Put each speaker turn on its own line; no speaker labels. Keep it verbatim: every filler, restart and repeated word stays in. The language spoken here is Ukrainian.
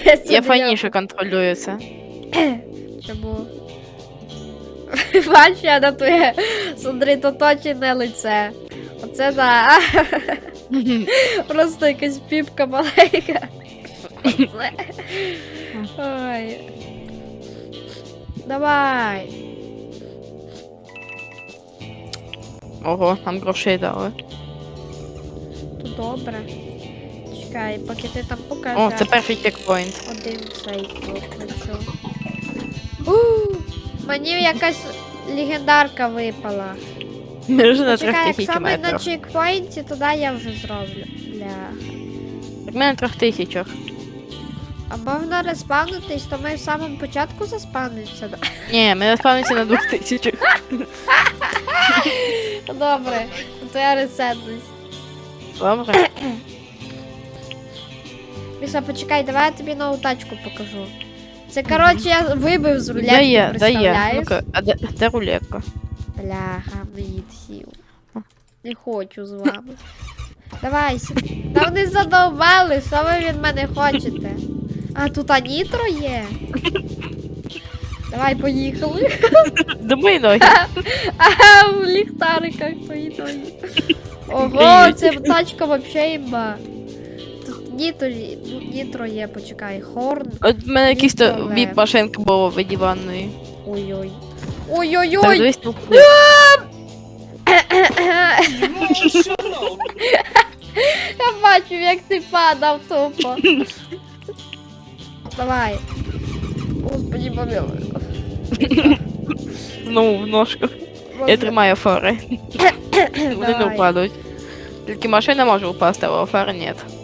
Я файніше контролюю це.
Чому? Бачу, я на твоє, смотри, то точне лице. Оце да. Просто якась піпка маленька. Ой. Давай.
Ого, нам грошей дали.
То добре. Чекай, поки ти там покажеш.
О, це перший чекпоінт.
Один цей включу. У, мені якась легендарка випала.
Ми вже на трьох
Чекай, як
тисячі
саме на
метрах.
чекпоінті, тоді я вже зроблю. Бля.
Так ми на трьох тисячах.
А можна респавнитись, то ми в самому початку заспавнимося. да?
Ні, ми наспавнимося на двох тисячах.
Добре, то я ресетнусь.
Добре.
Міша, почекай, давай я тобі нову тачку покажу. Це, коротше, я вибив з рулетки,
Да є, да є.
представляєш?
Ну-ка, а де, де рулетка?
Бляха, мені сів. Не хочу з вами. Давай, сі- та вони задовбали, що ви від мене хочете? А, тут анітро є. Давай, поїхали.
До мої ноги.
Ага, в ліхтариках твої ноги. Ого, це тачка вообще імба. Тут нітро, ну, нітро є, почекай, хорн.
От в мене якийсь то
Ніколи.
віп-машинка була в диванної.
Ой-ой.
Так,
Ой-ой-ой!
дивись, ну,
Я бачу, як ти падав тупо. Давай. Господи, помилуй.
знову в ножку. Я тримаю фари. Вони не
Давай.
впадуть. Тільки машина може впасти, а фари ні.